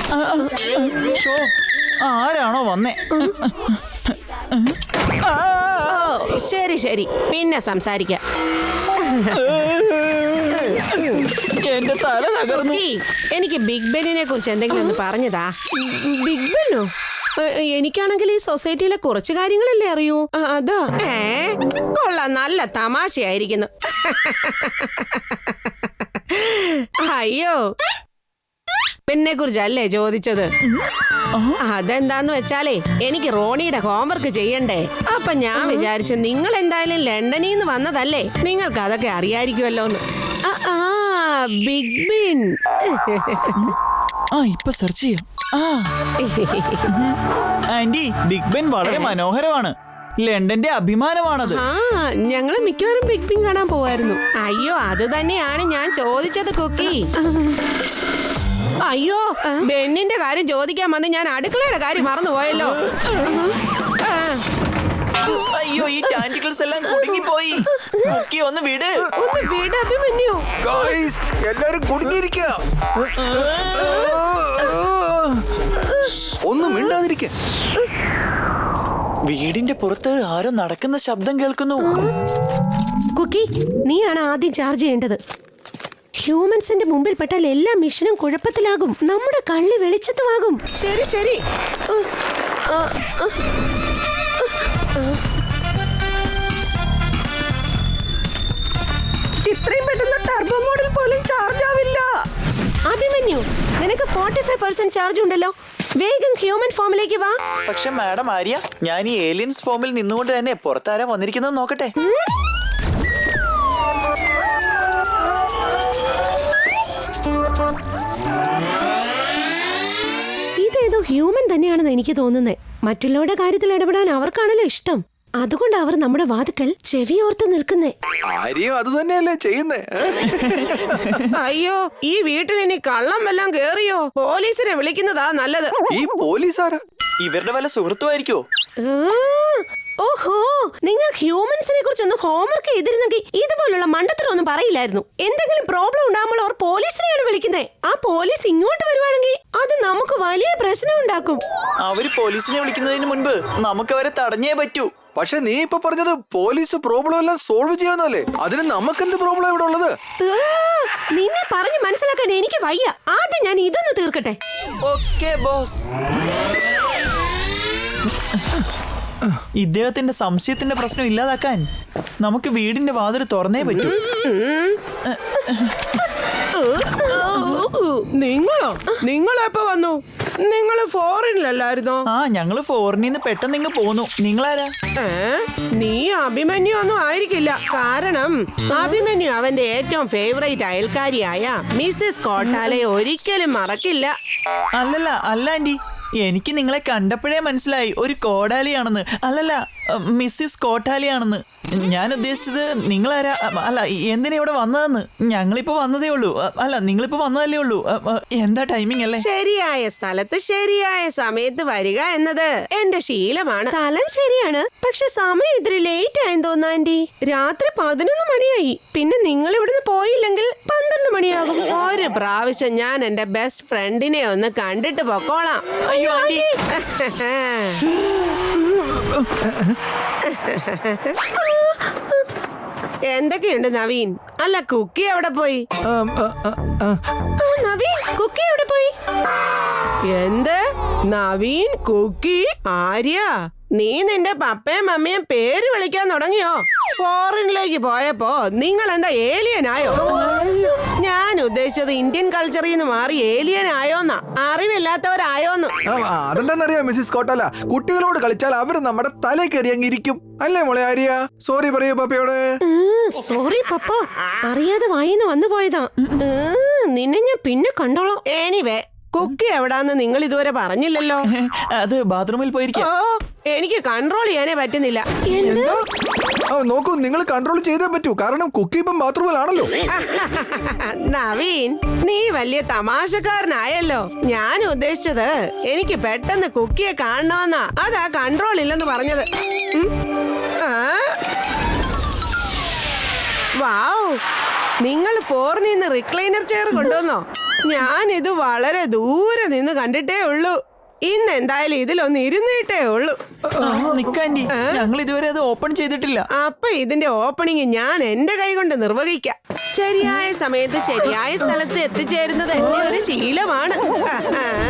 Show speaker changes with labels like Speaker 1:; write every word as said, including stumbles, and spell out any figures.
Speaker 1: ആരാണോ വന്നേ?
Speaker 2: ശരി ശരി, പിന്നെ സംസാരിക്കാം.
Speaker 1: എന്റെ തല തകർന്നു.
Speaker 2: എനിക്ക് ബിഗ് ബെന്നിനെ കുറിച്ച് എന്തെങ്കിലും ഒന്ന് പറഞ്ഞതാ. ബിഗ് ബെന്നോ? എനിക്കാണെങ്കിൽ ഈ സൊസൈറ്റിയിലെ കുറച്ച് കാര്യങ്ങളല്ലേ അറിയൂ. അതാ. ഏ കൊള്ളാം, നല്ല തമാശയായിരിക്കുന്നു. അയ്യോ, ബെന്നിനെ കുറിച്ചല്ലേ ചോദിച്ചത്? അതെന്താന്ന് വെച്ചാലേ എനിക്ക് റോണിയുടെ ഹോംവർക്ക് ചെയ്യണ്ടേ. അപ്പൊ ഞാൻ വിചാരിച്ചു നിങ്ങൾ എന്തായാലും ലണ്ടനിൽ നിന്ന് വന്നതല്ലേ, നിങ്ങൾക്ക് അതൊക്കെ അറിയായിരിക്കുമല്ലോന്ന്. ആ ബിഗ് ബെൻ.
Speaker 1: ആ ഇപ്പൊ സെർച്ച് ചെയ്യാം. ആന്റി, ബിഗ് ബെൻ വളരെ മനോഹരമാണ്. ലണ്ടന്റെ അഭിമാനമാണത്.
Speaker 2: ആ ഞങ്ങള് മിക്കവാറും ബിഗ് ബെൻ കാണാൻ പോവായിരുന്നു. അയ്യോ, അത് തന്നെയാണ് ഞാൻ ചോദിച്ചത് കുക്കി. അയ്യോ, ബെന്നിന്റെ കാര്യം ചോദിക്കാൻ വന്ന് ഞാൻ അടുക്കളയുടെ കാര്യം മറന്നുപോയല്ലോ.
Speaker 1: അയ്യോ, ഈ ടാന്റിക്കിൾസ് എല്ലാം കുടുങ്ങിപ്പോയി. കുക്കി ഒന്ന് വിട്,
Speaker 2: ഒന്ന് വിട് അഭിമന്യു.
Speaker 3: ഗായ്സ്, എല്ലാരും കുടുങ്ങിയിരിക്കുക. ഒന്നും മിണ്ടാതിരിക്ക.
Speaker 1: വീടിന്റെ പുറത്ത് ആരോ നടക്കുന്ന ശബ്ദം കേൾക്കുന്നു.
Speaker 2: കുക്കി, നീയാണ് ആദ്യം ചാർജ് ചെയ്യേണ്ടത്. ഹ്യൂമൻസിന്റെ മുമ്പിൽ പെട്ടാൽ എല്ലാ മിഷനും കുഴപ്പത്തിലാകും. നമ്മുടെ കള്ളി വെളിച്ചത്തുമാകും. ശരി ശരി. ഇത്രയും പെട്ടെന്ന് ടർബോ മോഡിൽ പോലും ചാർജ് ആവില്ല. അഭിമന്യു, നിനക്ക് ഫോർട്ടി ഫൈവ് പെർസെന്റ് ചാർജ് ഉണ്ടല്ലോ. വേഗം ഹ്യൂമൻ ഫോമിലേക്ക് വാ.
Speaker 1: പക്ഷെ മാഡം ആര്യ, ഞാൻ ഈ ഏലിയൻസ് ഫോമിൽ നിന്നുകൊണ്ട് തന്നെ പുറത്താരാ വന്നിരിക്കുന്നത് നോക്കട്ടെ.
Speaker 2: ഇതേതോ ഹ്യൂമൻ തന്നെയാണെന്ന് എനിക്ക് തോന്നുന്നത്. മറ്റുള്ളവരുടെ കാര്യത്തിൽ ഇടപെടാൻ അവർക്കാണല്ലോ ഇഷ്ടം. അതുകൊണ്ട് അവർ നമ്മുടെ വാതുക്കൽ ചെവിയോർത്ത് നിൽക്കുന്നേ.
Speaker 3: ആരെയും അത് തന്നെയല്ലേ ചെയ്യുന്നേ.
Speaker 2: അയ്യോ, ഈ വീട്ടിൽ ഇനി കള്ളം വല്ലതും കേറിയോ? പോലീസിനെ വിളിക്കുന്നതാ നല്ലത്.
Speaker 3: ഈ പോലീസാരാ?
Speaker 1: ഇവരുടെ വല്ല സുഹൃത്തുമായിരിക്കോ?
Speaker 2: ഓഹോ, നിങ്ങൾ ഹ്യൂമൻസിനെ കുറിച്ചൊന്ന് ഹോംവർക്ക് ചെയ്തിരുന്നെങ്കിൽ ഇതുപോലുള്ള മണ്ടത്തരമൊന്നും പറയില്ലായിരുന്നു. എന്തെങ്കിലും പ്രോബ്ലം ഉണ്ടാകുമ്പോൾ അവർ പോലീസിനെയാണ് വിളിക്കുന്നത്. ആ പോലീസ് ഇങ്ങോട്ട് വരുവാണെങ്കിൽ അത് നമുക്ക് വലിയ പ്രശ്നം ഉണ്ടാക്കും.
Speaker 1: അവര് പോലീസിനെ വിളിക്കുന്നതിന് മുൻപ് നമുക്ക് അവരെ തടഞ്ഞേ പറ്റൂ.
Speaker 3: പക്ഷെ നീ ഇപ്പൊ പറഞ്ഞത് പോലീസ് പ്രോബ്ലം എല്ലാം സോൾവ് ചെയ്യാന്നല്ലേ. അതിന് നമുക്കെന്ത് പ്രോബ്ലം ഇവിടെ ഉള്ളത്?
Speaker 2: നിന്നെ പറഞ്ഞു മനസ്സിലാക്കാൻ എനിക്ക് വയ്യ. ആദ്യം ഞാൻ ഇതൊന്ന് തീർക്കട്ടെ.
Speaker 1: Okay boss. ഇദ്ദേഹത്തിന്റെ സംശയത്തിന്റെ പ്രശ്നം ഇല്ലാതാക്കാൻ നമുക്ക് വീടിന്റെ വാതിൽ തുറന്നേ പറ്റൂ.
Speaker 2: നിങ്ങളോ? നിങ്ങളെപ്പോ വന്നു? നിങ്ങള് ഫോറിനിലല്ലായിരുന്നോ?
Speaker 1: ആ, ഞങ്ങള് ഫോറിനിൽ നിന്ന് പെട്ടെന്ന് ഇങ്ങ് പോന്നു. നിങ്ങളാരാ?
Speaker 2: നീ അഭിമന്യു ഒന്നും ആയിരിക്കില്ല. കാരണം അഭിമന്യു അവന്റെ ഏറ്റവും ഫേവറേറ്റ് അയൽക്കാരിയായ മിസ്സിസ് കോട്ടാലയെ ഒരിക്കലും മറക്കില്ല.
Speaker 1: അല്ലല്ല, അല്ല ആന്റി, എനിക്ക് നിങ്ങളെ കണ്ടപ്പോഴേ മനസ്സിലായി ഒരു കോടാലിയാണെന്ന്. അല്ലല്ല, മിസ്സിസ് കോട്ടാലിയാണെന്ന്. ഞാൻ ഉദ്ദേശിച്ചത് നിങ്ങളാരാ, അല്ല എന്തിനാ ഇവിടെ വന്നതെന്ന്. ഞങ്ങളിപ്പോ വന്നതേ ഉള്ളൂ. അല്ല, നിങ്ങളിപ്പോ വന്നതല്ലേ ഉള്ളൂ. എന്താ ടൈമിംഗ് അല്ലേ?
Speaker 2: ശരിയായ സ്ഥലത്ത് ശരിയായ സമയത്ത് വരിക എന്നത് എന്റെ ശീലമാണ്. സ്ഥലം ശരിയാണ്, പക്ഷെ സമയം ഇത്തിരി ലേറ്റ് ആയെന്ന് തോന്നാ ആന്റി. രാത്രി പതിനൊന്ന് മണിയായി. പിന്നെ നിങ്ങൾ ഇവിടുന്ന് പോയില്ലെങ്കിൽ പന്ത്രണ്ട് മണിയാകും. ഒരു പ്രാവശ്യം ഞാൻ എന്റെ ബെസ്റ്റ് ഫ്രണ്ടിനെ ഒന്ന് കണ്ടിട്ട് പൊക്കോളാം.
Speaker 1: അയ്യോ ആന്റി.
Speaker 2: എന്തൊക്കെയുണ്ട് നവീൻ? അല്ല, കുക്കി എവിടെ പോയി? നവീൻ, കുക്കി എവിടെ പോയി? എന്ത്? നവീൻ, കുക്കി, ആര്യ, നീ നിന്റെ പപ്പയും മമ്മിയും പേര് വിളിക്കാൻ തുടങ്ങിയോ? ഫോറിനിലേക്ക് പോയപ്പോ നിങ്ങൾ എന്താ ഏലിയൻ ആയോ? ഞാൻ ഉദ്ദേശിച്ചത് ഇന്ത്യൻ കൾച്ചറിൽ നിന്ന് മാറി ഏലിയൻ ആയോന്നാ, അറിവില്ലാത്തവരായോന്ന്.
Speaker 3: അതെന്താന്നറിയാം മിസ്സിസ് കോട്ടാല, കുട്ടികളോട് കളിച്ചാൽ അവര് നമ്മുടെ തല കയറി അങ്ങിരിക്കും. അല്ലേ മോളെ ആര്യ? സോറി പറയൂ പപ്പയോട്.
Speaker 2: സോറി പപ്പ, അറിയാതെ വായിന്ന് വന്നു പോയതാ. നിന്നെ ഞാൻ പിന്നെ കണ്ടോളാം. എനിവേ, കുക്കി എവിടാന്ന് നിങ്ങൾ ഇതുവരെ പറഞ്ഞില്ലല്ലോ.
Speaker 1: അത് ബാത്റൂമിൽ പോയിരിക്കും.
Speaker 2: എനിക്ക് കൺട്രോൾ ചെയ്യാനേ പറ്റുന്നില്ല.
Speaker 3: നോക്കൂ, നിങ്ങൾ കൺട്രോൾ ചെയ്തേ പറ്റൂ. കാരണം കുക്കി ഇപ്പം ബാത്റൂമിലാണല്ലോ.
Speaker 2: നവീൻ, നീ വലിയ തമാശക്കാരനായല്ലോ. ഞാൻ ഉദ്ദേശിച്ചത് എനിക്ക് പെട്ടെന്ന് കുക്കിയെ കാണണമെന്നാ. അതാ കൺട്രോൾ ഇല്ലെന്ന് പറഞ്ഞത്. വാവ്, നിങ്ങൾ ഫോറിനിൽ നിന്ന് റിക്ലൈനർ ചെയർ കൊണ്ടുവന്നോ? ഞാൻ ഇത് വളരെ ദൂരെ നിന്ന് കണ്ടിട്ടേ ഉള്ളൂ. ഇന്ന് എന്തായാലും ഇതിലൊന്ന് ഇരുന്നിട്ടേ ഉള്ളൂ.
Speaker 1: നിക്കാൻഡി, ഞങ്ങൾ ഇതുവരെ അത് ഓപ്പൺ ചെയ്തിട്ടില്ല.
Speaker 2: അപ്പൊ ഇതിന്റെ ഓപ്പണിങ് ഞാൻ എന്റെ കൈ കൊണ്ട് നിർവഹിക്കാം. ശരിയായ സമയത്ത് ശരിയായ സ്ഥലത്ത് എത്തിച്ചേരുന്നത് എന്റെ ഒരു ശീലമാണ്. ആ, ആ.